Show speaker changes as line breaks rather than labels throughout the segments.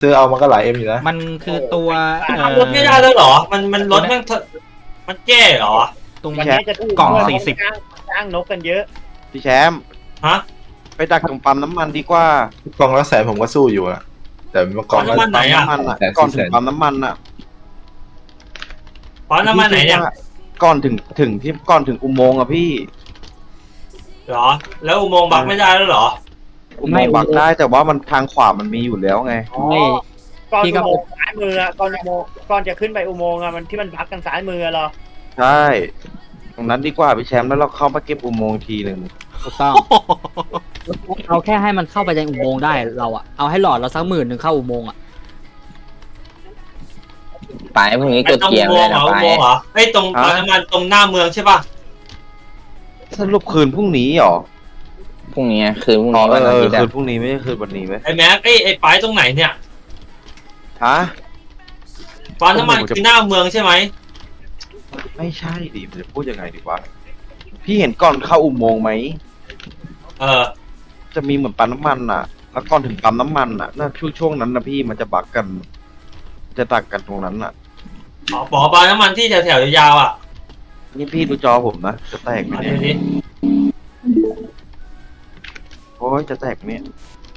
ซื้อเอามันก็หลายเอ็มอยู่นะ
มันคือตัว
ทำรถไม่ได้แล้วเหรอมันรถแม่งมันแก้เหรอ
ตรง
วันนี้จะถูก
กล่อง
40จ้างนกกันเยอะ
พี่แชมป์
ฮะ
ไปดักตรงปั๊มน้ำมันดีกว่าก
ล่องละ100,000ผมก็สู้อยู่อะแต่เมื่อก่อน
น้ำมันไหนอะ
น้ำมันอ่ะก่อนถึงปั๊มน้ำมันอ่ะ
ปั๊มน้ำมันไหนเนี่ย
ก่อนถึงที่ก่อนถึงอุโมงค์อ่ะพี่
เหรอแล้วอุโมงค์บักไม่ได้แล้วเหรอ
อุโมงค์บักได้แต่ว่ามันทางขวามันมีอยู่แล้วไง
ไม่ก่อนอุโมงค์ซ้ายมืออะก่อนอุโมงค์ก่อนจะขึ้นไปอุโมงค์อะมันที่มันพักกันซ้ายมือเหรอ
ใช่ตรงนั้นดีกว่าพี่แชมป์แล้วเราเข้ามาเก็บอุโมงค์ทีหนึ่ง
ถูกต้องเอาแค่ให้มันเข้าไปในอุโมงค์ได้เราอะเอาให้หลอดเราสัก10,000เข้าอุโมงค์อะ
ไปพรุ่งนี้
ไอ้
กด
ตรง
เกีย
อุ
ร์
โม
เล
ง
ย
ค์เหรออุ
นะไป
โมงค์เหรอไอ้ตรงปั๊มน้ำมันตรงหน้าเมืองใช่ป่ะ
สรุปคืนพรุ่งนี้เหรอ
พรุ่งนี้คืนพรุ่ง
อ๋อ
นี้วันอาทิตย์
คื
อะ
นพรุ่งนี้ไม่ใช่คืนวันนี้ไหม
ไอ้แม็กไอ้ป้ายตรงไหนเนี่ย
ฮะ
ปั๊มน้ำมันคือหน้าเมืองใช่ไหม
ไม่ใช่ดิจะพูดยังไงดีวะพี่เห็นก่อนเข้าอุโมงค์ไหม จะมีเหมือนปั๊มน้ำมันอ่ะ แล้วก่อนถึงปั๊มน้ำมันอ่ะน่าช่วงนั้นนะพี่มันจะบักกัน จะตักกันตรงนั้นอ่ะ
อ๋อปั๊มน้ำมันที่แถวยาวๆอ่ะ
นี่พี่ดูจอผมนะจะแตกไหม
เอา
เนี่
ดู
ย
ดิ
โอ้ยจะแตกไหมเนี่ย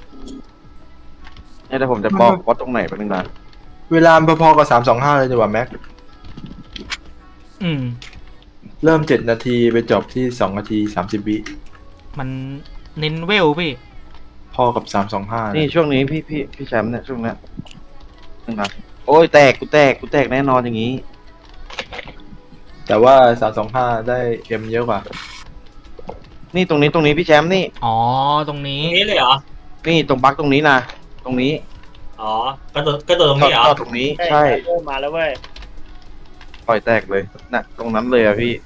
แต่ผมจะบอกว่าตรงไหนไปบนึงนะ
เวลาพอๆกับ325เลยดีกว่าแม็ก
อืม
เริ่ม7 นาทีไปจบที่2 นาที 30 วิ
มันเน้นเวลพี่
พอกับ325
นี่ช่วงนี้พี่แชมป์เนี่ยช่วงเนี้ยนึงนะโอ้ยแตกกูแตกแน่นอนอย่างนี้
แต่ว่า325ได้เอ็มเยอะกว่า
นี่ตรงนี้พี่แชมป์นี่
อ๋อตรงนี้
ตรงนี้เลยเหรอ
นี่ตรงบักตรงนี้นะตรงนี้
อ๋อกระโดดตรงนี้เหรอ
ทอดตรงนี้ใช่
เริ่มมาแล้วเว้ย
ปล่อยแตกเลยน่ะตรงนั้นเลยอะพี่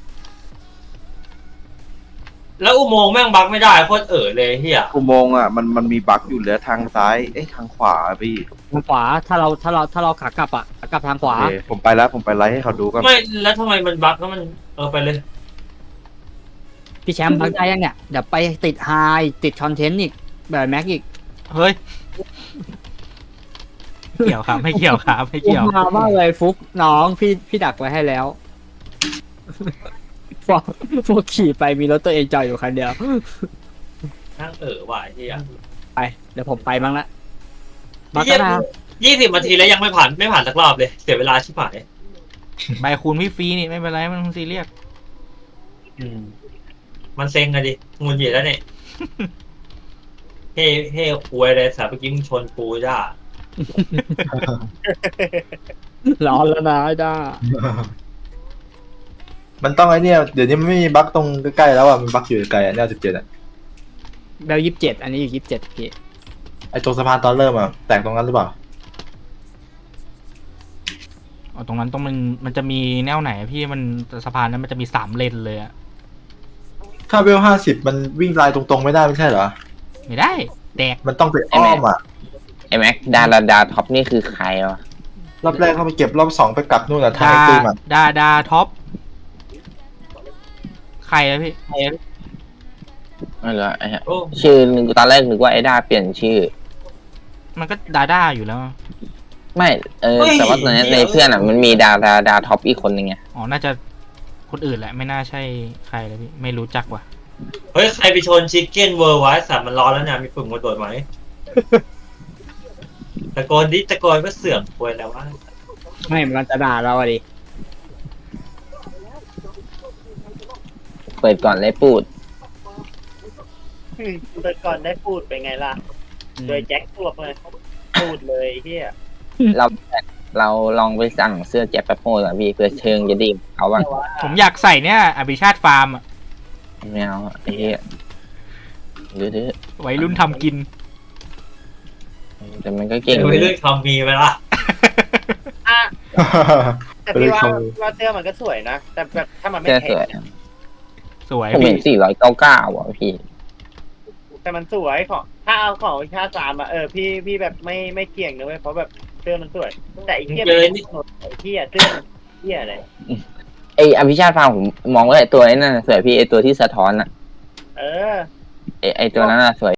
แล้วอุโมงค์แม่งบักไม่ได้โคตรเลยเฮีย
อุโมงค์อ่ะมันมีบั๊กอยู่เหลือทางซ้ายทางขวาอะพี่
ทางขวาถ้าเราขากลับอะขากลับทางขวา
โอเคผมไปแล้วผมไปไลฟ์ให้เขาดูก่อน
ไม่แล้วทำไมมันบักแล้วมันไปเลย
พี่แชมป์พักได้ยังเนี่ยเดี๋ยวไปติดไฮติดคอนเทนต์อีกแบบแม็กอีก
เฮ้ยไม่เกี่ยวครับไม่เกี่ยวครับไม่เกี่ยว
มามากเลยฟุกน้องพี่ดักไว้ให้แล้ว พวกขี่ไปมีรถตัวเองจอดอยู่คันเดียว
นั่งว่ะเฮีย
ไปเดี๋ยวผมไปบ้างละ
เฮีย20 นาทีแล้วยังไม่ผ่านสักรอบเลยเสียเวลาชิบหาย
ใบคูณพี่ฟรีนี่ไม่เป็นไรมันซีเรียส
มันเซ็งอะดิงุนหงิดแล้วเนี่ยเฮ้ควยเลยสาเมื่อกี้มึงชนกูจ้า
ร้อนแล้วนะจ้า
มันต้องไอ้เนี่ยเดี๋ยวนี้มันไม่มีบั๊กตรงใกล้ๆแล้วอ่ะมันบั๊กอยู่ไกลอ่ะแนว17อ่ะ
เบล27อันนี้อยู่27พี่
ไอ้ตรงสะพานตอนเริ่มอ่ะแตกตรงนั้นหรือเปล่า
อ๋อตรงนั้นมันจะมีแนวไหนอะพี่มันสะพานนั้นมันจะมี3 เลนเลยอะ
ถ้าเวล50มันวิ่งลายตรงๆไม่ได้ไม่ใช่เหรอ
ไม่ได้แตก
มันต้องไปอ้อมอ่ะ
ไอ้แม็กดาท็อปนี่คือใครวะ
รอบแรกเขาไปเก็บรอบ2ไปกลับนู่นอ่ะทางไอ้ตุ้มอ่ะ
ดาท็อปใครอะพี่
ไม่รู้ไอ้ฮะ
โอ้
ชื่อนึงตอนแรกนึกว่าไอ้ดาเปลี่ยนชื่อ
มันก็ด้าอยู่แล้ว
ไม่แต่ว่าตอนนี้ในเพื่อนอ่ะมันมีดาท็อปอีกคนนึงไง
อ๋อน่าจะคนอื่นแหละไม่น่าใช่ใครเลยพี่ไม่รู้จักว่ะ
เฮ้ยใครไปชนชิคเก้นเวอร์ไว้สามมันร้อนแล้วเนี่ยมีปุ่มกระโดดไหมตะโกนก็เสื่อมควยแล้วว่า
ไม่มันจะด่าเราอะดิ
เปิดก่อนเลยปูด
เปิดก่อนได้พูดเป็นไงล่ะโดยแจ็คพวกเลยพูดเลยเฮีย
เราลองไปสั่งเสื้อแจ็คแปปโป้ก่อนพี่เพื่อเชิงจะดีเขาบ้าง
ผมอยากใส่เนี่ยอภิชาติฟาร์มอะ
ไม่เอาไอ้เหี้ยดื้อ
วัยรุ่นทำกิน
แต่มันก็เก่ง
ไม่เลือกทำมีไปละ
แต่พี่ว่าเสื้อมันก็สวยนะแต่แบบถ้ามันไม่
เสื้อ
แพ
สวย
ง
สวย
ผมเห็
พี่
น499อ่ะพี่
แต่มันสวยของถ้าเอาของวิชาสามอะพี่แบบไม่เกี่ยงนะเว้ยเพราะแบบเสื้อมันสวยแต่ไอ้เหี้ยไอ้เหี้ยเสื้อเหี้ยอะไร
ไออภิชาติฟาร์มผมมองว่าไอตัวนั้นน่ะสวยพี่ไอตัวที่สะท้อนอ่ะ
เออ
ไอตัวนั้นน่ะสวย